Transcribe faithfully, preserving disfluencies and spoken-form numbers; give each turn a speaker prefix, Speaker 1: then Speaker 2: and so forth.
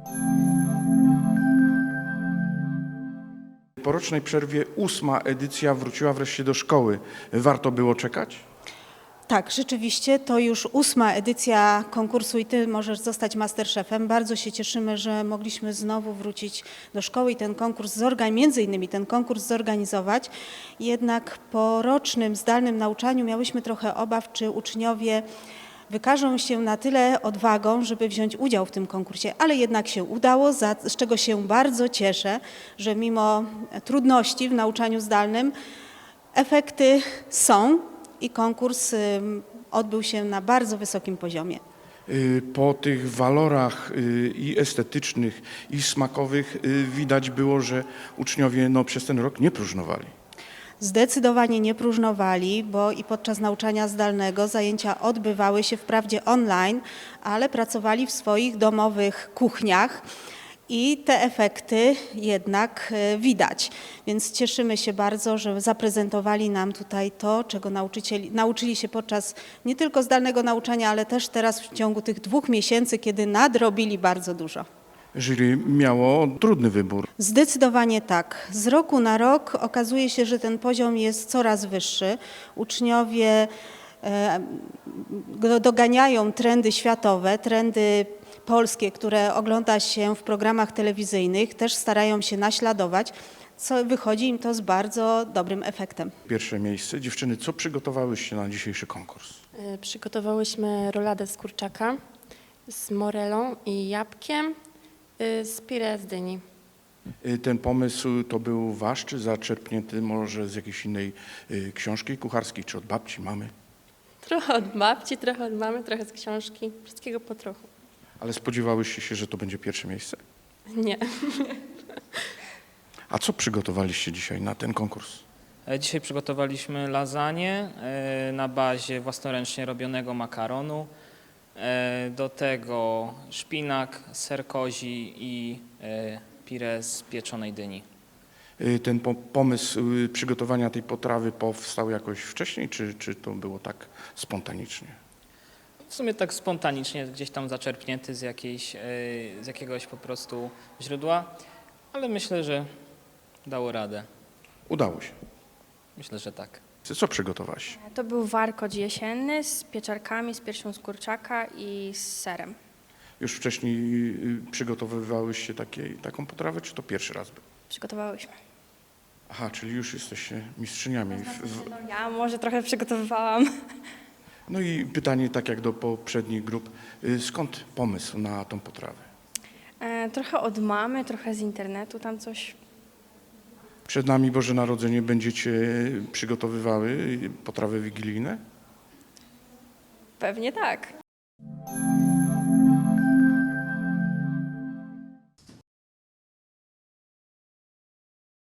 Speaker 1: Po rocznej przerwie ósma edycja wróciła wreszcie do szkoły. Warto było czekać?
Speaker 2: Tak, rzeczywiście to już ósma edycja konkursu i Ty możesz zostać Masterchefem. Bardzo się cieszymy, że mogliśmy znowu wrócić do szkoły i ten konkurs zorganizować, między innymi ten konkurs zorganizować. Jednak po rocznym zdalnym nauczaniu miałyśmy trochę obaw, czy uczniowie wykażą się na tyle odwagą, żeby wziąć udział w tym konkursie, ale jednak się udało, za, z czego się bardzo cieszę, że mimo trudności w nauczaniu zdalnym efekty są i konkurs ym, odbył się na bardzo wysokim poziomie.
Speaker 1: Y, Po tych walorach y, i estetycznych, i smakowych y, widać było, że uczniowie no, przez ten rok nie próżnowali.
Speaker 2: Zdecydowanie nie próżnowali, bo i podczas nauczania zdalnego zajęcia odbywały się wprawdzie online, ale pracowali w swoich domowych kuchniach i te efekty jednak e, widać. Więc cieszymy się bardzo, że zaprezentowali nam tutaj to, czego nauczycieli, nauczyli się podczas nie tylko zdalnego nauczania, ale też teraz w ciągu tych dwóch miesięcy, kiedy nadrobili bardzo dużo.
Speaker 1: Jury miało trudny wybór.
Speaker 2: Zdecydowanie tak. Z roku na rok okazuje się, że ten poziom jest coraz wyższy. Uczniowie e, do- doganiają trendy światowe, trendy polskie, które ogląda się w programach telewizyjnych, też starają się naśladować, co wychodzi im to z bardzo dobrym efektem.
Speaker 1: Pierwsze miejsce. Dziewczyny, co przygotowałyście na dzisiejszy konkurs?
Speaker 3: Y, Przygotowałyśmy roladę z kurczaka z morelą i jabłkiem y, z pire z dyni.
Speaker 1: Y, Ten pomysł to był wasz, czy zaczerpnięty może z jakiejś innej y, książki kucharskiej, czy od babci, mamy?
Speaker 3: Trochę od babci, trochę od mamy, trochę z książki. Wszystkiego po trochu.
Speaker 1: Ale spodziewałyście się, że to będzie pierwsze miejsce?
Speaker 3: Nie.
Speaker 1: A co przygotowaliście dzisiaj na ten konkurs?
Speaker 4: E, Dzisiaj przygotowaliśmy lasagne e, na bazie własnoręcznie robionego makaronu. E, Do tego szpinak, ser kozi i e, pire z pieczonej dyni.
Speaker 1: Y, Ten po- pomysł y, przygotowania tej potrawy powstał jakoś wcześniej, czy, czy to było tak spontanicznie?
Speaker 4: W sumie tak spontanicznie, gdzieś tam zaczerpnięty z, jakiejś, e, z jakiegoś po prostu źródła, ale myślę, że dało radę.
Speaker 1: Udało się.
Speaker 4: Myślę, że tak.
Speaker 1: Co przygotowałaś?
Speaker 5: To był warkocz jesienny z pieczarkami, z piersią z kurczaka i z serem.
Speaker 1: Już wcześniej y, przygotowywałyście takie, taką potrawę, czy to pierwszy raz był?
Speaker 5: Przygotowałyśmy.
Speaker 1: Aha, czyli już jesteście mistrzyniami. W, w...
Speaker 5: No, ja może trochę przygotowywałam.
Speaker 1: No i pytanie, tak jak do poprzednich grup, y, skąd pomysł na tą potrawę?
Speaker 5: E, trochę od mamy, trochę z internetu, tam coś.
Speaker 1: Przed nami Boże Narodzenie, będziecie przygotowywały y, potrawy wigilijne?
Speaker 5: Pewnie tak.